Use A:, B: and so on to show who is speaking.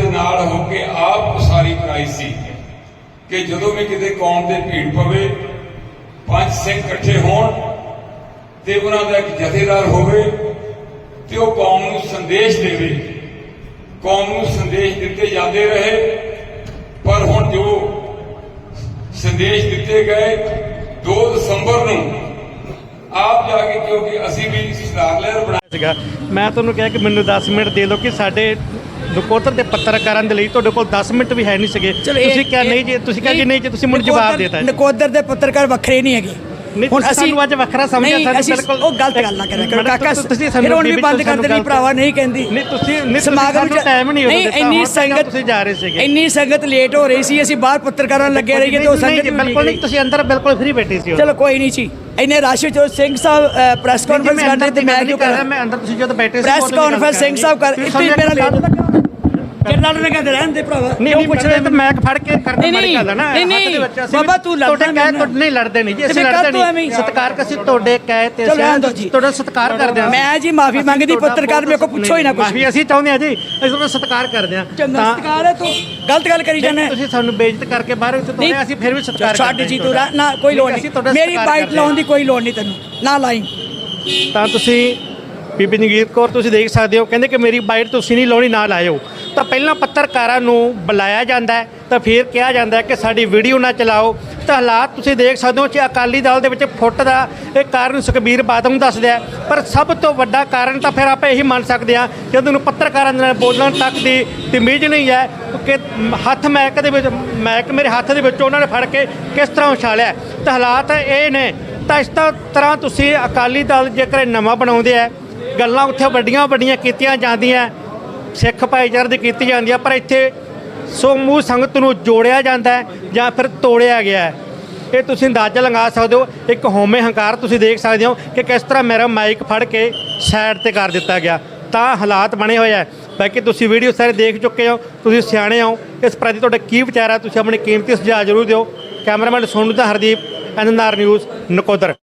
A: ਦੇ ਨਾਲ ਹੋ ਕੇ ਆਪ ਉਸਾਰੀ ਕਰਾਈ ਸੀ ਕਿ ਜਦੋਂ ਵੀ ਕਿਤੇ ਕੌਮ ਦੇ ਭੀੜ ਪਵੇ, ਪੰਜ ਸਿੰਘ ਇਕੱਠੇ ਹੋਣ ਤੇ ਉਹਨਾਂ ਦਾ ਇੱਕ ਜਥੇਦਾਰ ਹੋਵੇ ਤੇ ਉਹ ਕੌਮ ਨੂੰ ਸੰਦੇਸ਼ ਦੇਵੇ। ਕੌਮ ਨੂੰ ਸੰਦੇਸ਼ ਦਿੱਤੇ ਜਾਂਦੇ ਰਹੇ, ਪਰ ਹੁਣ ਜੋ ਸੰਦੇਸ਼ ਦਿੱਤੇ ਗਏ 2 ਦਸੰਬਰ ਨੂੰ ਆਪ ਜਾ ਕੇ, ਕਿਉਂਕਿ ਅਸੀਂ ਵੀ ਸਿਧਾਰ ਲਹਿਰ ਬਣਾਇਆ
B: ਸੀਗਾ, ਮੈਂ ਤੁਹਾਨੂੰ ਕਿਹਾ ਕਿ ਮੈਨੂੰ 10 ਮਿੰਟ ਦੇ ਦਿਓ ਕਿ ਸਾਡੇ ਨਕੋਦਰ ਦੇ ਪੱਤਰਕਾਰਾਂ ਦੇ ਲਈ ਤੁਹਾਡੇ ਕੋਲ 10 ਮਿੰਟ ਵੀ ਹੈ ਨਹੀਂ ਸੀਗੇ। ਤੁਸੀਂ ਕਿਹਾ ਨਹੀਂ ਜੀ, ਤੁਸੀਂ ਕਿਹਾ ਕਿ ਨਹੀਂ ਜੀ, ਤੁਸੀਂ ਮੈਨੂੰ ਜਵਾਬ ਦੇਤਾ।
C: ਨਕੋਦਰ ਦੇ ਪੱਤਰਕਾਰ ਵੱਖਰੇ ਨਹੀਂ ਹੈਗੇ।
B: ਹੁਣ ਅਸੀਂ ਅੱਜ ਵੱਖਰਾ ਸਮਝਿਆ ਸਾਨੂੰ ਬਿਲਕੁਲ
C: ਉਹ ਗਲਤ ਗੱਲ ਨਾ ਕਰਿਆ ਕਰੋ ਕਾਕਾ। ਫਿਰ ਹੁਣ ਵੀ ਬੰਦ ਕਰ ਦੇਣੀ ਭਰਾਵਾ, ਨਹੀਂ ਕਹਿੰਦੀ।
B: ਨਹੀਂ ਤੁਸੀਂ
C: ਸਮਾਗਮ
B: ਨੂੰ ਟਾਈਮ ਨਹੀਂ
C: ਦਿੱਤਾ। ਇੰਨੀ ਸੰਗਤ,
B: ਤੁਸੀਂ ਜਾ ਰਹੇ ਸੀਗੇ,
C: ਇੰਨੀ ਸੰਗਤ ਲੇਟ ਹੋ ਰਹੀ ਸੀ, ਅਸੀਂ ਬਾਹਰ ਪੱਤਰਕਾਰਾਂ ਲੱਗੇ ਰਹੀਏ ਤੇ ਉਹ ਸੰਗਤ
B: ਬਿਲਕੁਲ ਨਹੀਂ, ਤੁਸੀਂ ਅੰਦਰ ਬਿਲਕੁਲ ਫ੍ਰੀ ਬੈਠੇ ਸੀ।
C: ਚਲੋ ਕੋਈ ਨਹੀਂ ਜੀ, ਇੰਨੇ ਰਸ਼ ਚ ਸਿੰਘ ਸਾਹਿਬ ਪ੍ਰੈਸ ਕਾਨਫਰੰਸ ਕਰਦੇ ਤੇ ਮੈਂ ਕਿਉਂ ਕਰਾਂ?
B: ਮੈਂ ਅੰਦਰ, ਤੁਸੀਂ ਜਦੋਂ ਬੈਠੇ ਸੀ
C: ਪ੍ਰੈਸ ਕਾਨਫਰੰਸ ਸਿੰਘ ਸਾਹਿਬ ਕਰ ਇੱਥੇ ਮੇਰਾ ਲੇਟ ਲੱਗਾ। ਜਰਨਲ ਨੇ ਕਹਿੰਦੇ ਰਹਿਣ ਦੇ ਭਰਾਵਾ,
B: ਨਹੀਂ ਪੁੱਛ ਰਹੇ ਤੇ ਮੈਂ ਫੜ ਕੇ ਕਰਨਾ ਮਾੜੀ ਗੱਲ ਹੈ ਨਾ।
C: ਨਹੀਂ ਬਾਬਾ ਤੂੰ ਲੜਦਾ
B: ਨਹੀਂ ਲੜਦੇ ਨਹੀਂ ਜੀ, ਅਸੀਂ ਲੜਦੇ ਨਹੀਂ। ਸਤਿਕਾਰ ਅਸੀਂ ਤੁਹਾਡੇ ਕਹੇ ਤੇ ਤੁਹਾਡਾ ਸਤਿਕਾਰ ਕਰਦੇ ਹਾਂ।
C: ਮੈਂ ਜੀ ਮਾਫੀ ਮੰਗਦੀ, ਪੱਤਰਕਾਰ ਮੇਰੇ ਕੋਲ ਪੁੱਛੋ ਹੀ ਨਾ ਕੁਝ।
B: ਮਾਫੀ ਅਸੀਂ ਚਾਹੁੰਦੇ ਹਾਂ ਜੀ, ਅਸੀਂ ਤੁਹਾਡਾ ਸਤਿਕਾਰ ਕਰਦੇ ਹਾਂ।
C: ਸਤਿਕਾਰ ਹੈ, ਤੂੰ ਗਲਤ ਗੱਲ ਕਰੀ ਜਾਂਦਾ।
B: ਤੁਸੀਂ ਸਾਨੂੰ ਬੇਇੱਜ਼ਤ ਕਰਕੇ ਬਾਹਰ ਵਿੱਚ ਤੋੜਿਆ, ਅਸੀਂ ਫਿਰ ਵੀ ਸਤਿਕਾਰ
C: ਛੱਡ ਜੀ ਤੂੰ ਨਾ, ਕੋਈ ਲੋੜ ਨਹੀਂ, ਮੇਰੀ ਬਾਈਟ ਲਾਉਣ ਦੀ ਕੋਈ ਲੋੜ ਨਹੀਂ, ਤੈਨੂੰ ਨਾ ਲਾਈ।
B: ਤਾਂ ਤੁਸੀਂ ਬੀਬੀ ਜਗੀਰ ਕੌਰ ਤੁਸੀਂ ਦੇਖ ਸਕਦੇ ਹੋ, ਕਹਿੰਦੇ ਕਿ ਮੇਰੀ ਬਾਈਟ ਤੁਸੀਂ ਨਹੀਂ ਲਾਉਣੀ, ਨਾ ਲਾਇਓ। ਤਾਂ ਪਹਿਲਾਂ ਪੱਤਰਕਾਰਾਂ ਨੂੰ ਬੁਲਾਇਆ ਜਾਂਦਾ ਹੈ, ਤਾਂ ਫਿਰ ਕਿਹਾ ਜਾਂਦਾ ਹੈ ਕਿ ਸਾਡੀ ਵੀਡੀਓ ਨਾ ਚਲਾਓ। ਤਾਂ ਹਾਲਾਤ ਤੁਸੀਂ ਦੇਖ ਸਕਦੇ ਹੋ ਕਿ ਅਕਾਲੀ ਦਲ ਦੇ ਵਿੱਚ ਫੁੱਟ ਦਾ ਇਹ ਕਾਰਨ ਸੁਖਬੀਰ ਬਾਦਲ ਨੂੰ ਦੱਸਦਾ, ਪਰ ਸਭ ਤੋਂ ਵੱਡਾ ਕਾਰਨ ਤਾਂ ਫਿਰ ਆਪਾਂ ਇਹੀ ਮੰਨ ਸਕਦੇ ਹਾਂ ਕਿ ਉਹਨੂੰ ਪੱਤਰਕਾਰਾਂ ਦੇ ਨਾਲ ਬੋਲਣ ਤੱਕ ਦੀ ਤਮੀਜ਼ ਨਹੀਂ ਹੈ ਕਿ ਹੱਥ ਮੈਕ ਦੇ ਵਿੱਚ, ਮੈਕ ਮੇਰੇ ਹੱਥ ਦੇ ਵਿੱਚ ਉਹਨਾਂ ਨੇ ਫੜ ਕੇ ਕਿਸ ਤਰ੍ਹਾਂ ਉਛਾਲਿਆ। ਤਾਂ ਹਾਲਾਤ ਇਹ ਨੇ। ਤਾਂ ਇਸ ਤਰ੍ਹਾਂ ਤੁਸੀਂ ਅਕਾਲੀ ਦਲ ਜੇਕਰ ਨਵਾਂ ਬਣਾਉਂਦੇ ਆ, ਗੱਲਾਂ ਉੱਥੇ ਵੱਡੀਆਂ ਵੱਡੀਆਂ ਕੀਤੀਆਂ ਜਾਂਦੀਆਂ, ਸਿੱਖ ਭਾਈਚਾਰੇ ਦੀ ਕੀਤੀ ਜਾਂਦੀ ਆ, ਪਰ ਇੱਥੇ ਸਮੂਹ ਸੰਗਤ ਨੂੰ ਜੋੜਿਆ ਜਾਂਦਾ ਹੈ ਜਾਂ ਫਿਰ ਤੋੜਿਆ ਗਿਆ ਹੈ। ਇਹ ਤੁਸੀਂ ਅੰਦਾਜ਼ਾ ਲਗਾ ਸਕਦੇ ਹੋ। ਇੱਕ ਹਉਮੈ ਹੰਕਾਰ ਤੁਸੀਂ ਦੇਖ ਸਕਦੇ ਹੋ ਕਿ ਕਿਸ ਤਰ੍ਹਾਂ ਮੇਰਾ ਮਾਈਕ ਫੜ ਕੇ ਸਾਈਡ ਤੇ ਕਰ ਦਿੱਤਾ ਗਿਆ। ਤਾਂ ਹਾਲਾਤ ਬਣੇ ਹੋਏ ਆ। ਬਾਕੀ ਤੁਸੀਂ ਵੀਡੀਓ ਸਾਰੇ ਦੇਖ ਚੁੱਕੇ ਹੋ, ਤੁਸੀਂ ਸਿਆਣੇ ਹੋ, ਇਸ ਪ੍ਰਤੀ ਤੁਹਾਡਾ ਕੀ ਵਿਚਾਰ ਹੈ, ਤੁਸੀਂ ਆਪਣੇ ਕੀਮਤੀ ਸੁਝਾਅ ਜ਼ਰੂਰ ਦਿਓ। ਕੈਮਰਾਮੈਨ ਸੋਨੂ ਦਾ ਹਰਦੀਪ, NNR ਨਿਊਜ਼, ਨਕੋਦਰ।